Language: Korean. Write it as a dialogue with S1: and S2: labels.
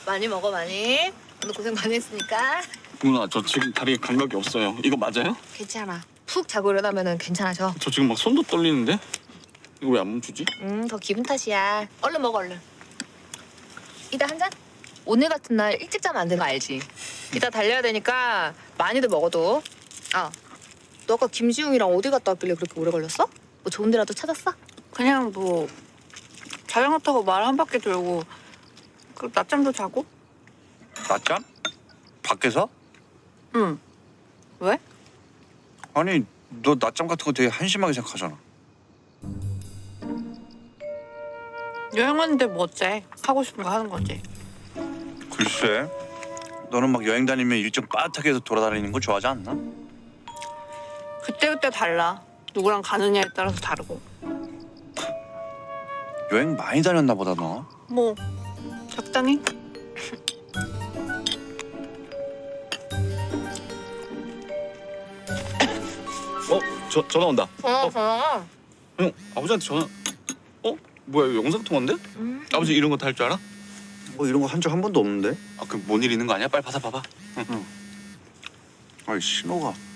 S1: 많이 먹어 많이. 오늘 고생 많이 했으니까.
S2: 누나 저 지금 다리에 감각이 없어요. 이거 맞아요?
S1: 괜찮아. 푹 자고 일어나면은 괜찮아져.
S2: 저 지금 막 손도 떨리는데? 이거 왜 안 멈추지?
S1: 더 기분 탓이야. 얼른 먹어 얼른. 이따 한 잔? 오늘 같은 날 일찍 자면 안 되는 거 알지? 이따 달려야 되니까 많이들 먹어도. 아, 너 아까 김지웅이랑 어디 갔다 왔길래 그렇게 오래 걸렸어? 뭐 좋은 데라도 찾았어?
S3: 그냥 뭐 자전거 타고 말 한 바퀴 돌고 그리고 낮잠도 자고?
S4: 낮잠? 밖에서?
S3: 응. 왜?
S4: 아니 너 낮잠 같은 거 되게 한심하게 생각하잖아.
S3: 여행 왔는데 뭐 어째? 하고 싶은 거 하는 거지.
S4: 글쎄, 너는 막 여행 다니면 일정 빠듯하게 해서 돌아다니는 거 좋아하지 않나?
S3: 그때그때 달라. 누구랑 가느냐에 따라서 다르고.
S4: 여행 많이 다녔나 보다 너.
S3: 뭐 적당히?
S2: 전화 온다.
S1: 전화.
S2: 형 아버지한테 전화. 뭐야 이거 영상 통화인데? 아버지 이런 거 다 할 줄 알아?
S4: 뭐 이런 거 한 적 한 번도 없는데?
S2: 아 그럼 뭔 일 있는 거 아니야? 빨리 받아 봐봐.
S4: 아이 신호가.